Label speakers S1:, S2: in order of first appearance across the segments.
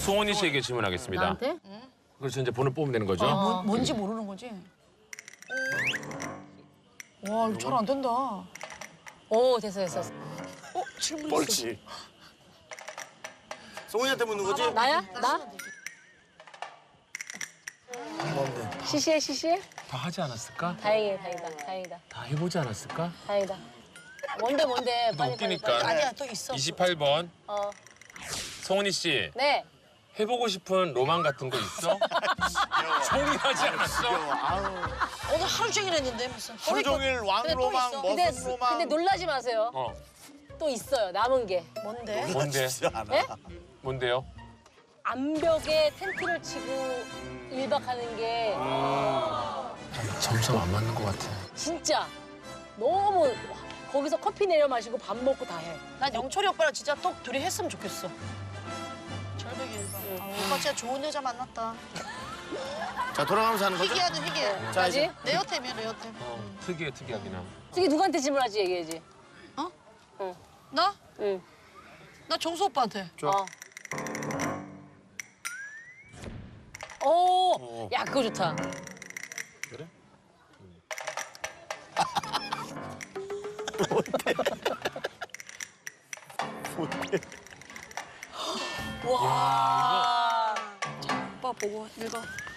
S1: 송은이 씨에게 질문하겠습니다.
S2: 나한테?
S1: 그래서 이제 번호 뽑으면 되는 거죠?
S3: 뭔지 모르는 거지? 와, 이거 잘 안 된다.
S2: 오, 됐어.
S3: 질문
S4: 뻘치. 송은이한테 묻는 거지?
S2: 나야? 나?
S4: 뭔데?
S2: 시시해?
S1: 다 하지 않았을까?
S2: 다행이다.
S1: 다 해보지 않았을까?
S2: 다행이다. 뭔데? 빨리.
S1: 웃기니까.
S3: 아니야, 또 있어.
S1: 28번. 송은이 씨.
S2: 네.
S1: 해보고 싶은 로망 같은 거 있어? 정리하지 않았어?
S3: 오늘 하루 종일 했는데 무슨.
S4: 하루 종일 왕로망,
S2: 근데
S4: 머슴로망.
S2: 놀라지 마세요. 또 있어요. 남은 게.
S3: 뭔데?
S1: 뭔데?
S2: 네?
S1: 뭔데요?
S2: 암벽에 텐트를 치고 1박 하는 게
S1: 점점 안 맞는 것 같아.
S2: 진짜 너무 거기서 커피 내려 마시고 밥 먹고 다 해.
S3: 난 영철이 오빠랑 진짜 톡 둘이 했으면 좋겠어. 절벽이 일반. 오빠 진짜 좋은 여자 만났다.
S4: 자, 돌아가면서 하는 거죠?
S3: 희귀하든 희귀해.
S4: 자, 이제.
S3: 레어템이야, 레어템.
S1: 특이하긴 함.
S2: 저기 누구한테 질문하지 얘기해야지.
S3: 나?
S2: 응.
S3: 나 정수 오빠한테.
S2: 오, 야 그거 좋다.
S4: 그래?
S3: 와. 자, 오빠 보고 읽어.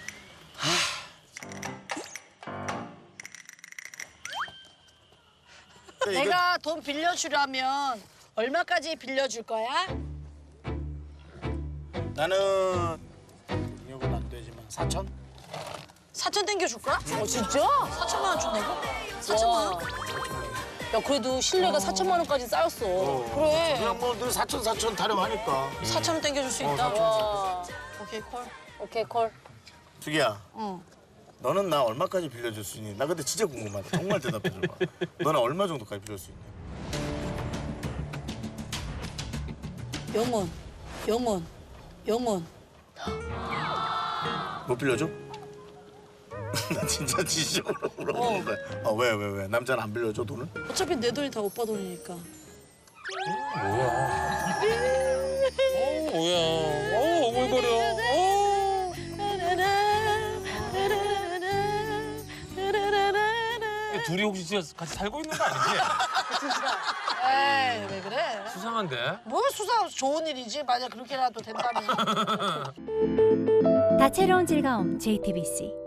S3: 내가 돈 빌려주려면 얼마까지 빌려줄 거야?
S4: 나는 능력은 안 되지만 4천?
S3: 4천 땡겨줄 거야?
S2: 진짜?
S3: 4천만 원 준다고? 4천만 원?
S2: 야 그래도 신뢰가 4천만 원까지 쌓였어.
S3: 그래.
S4: 그냥 뭐 늘 4천 타령하니까.
S3: 4천 원 땡겨줄 수 있다.
S2: 와.
S3: 오케이, 콜.
S2: 오케이 콜.
S4: 두기야,
S3: 응.
S4: 너는 나 얼마까지 빌려줄 수 있니? 나 근데 진짜 궁금하다. 정말 대답해줘봐. 너는 얼마 정도까지 빌려줄 수 있니?
S3: 영원.
S4: 못 빌려줘? 나 진짜 진심으로 물어보는 거야. 왜? 남자는 안 빌려줘, 돈을?
S3: 어차피 내 돈이 다 오빠 돈이니까.
S1: 뭐야? 오글거려. 둘이 혹시 진짜 같이 살고 있는 거 아니지?
S3: 에이, 왜 그래?
S1: 수상한데?
S3: 뭘 수사 좋은 일이지. 만약 그렇게라도 된다면.
S5: 다채로운 즐거움 JTBC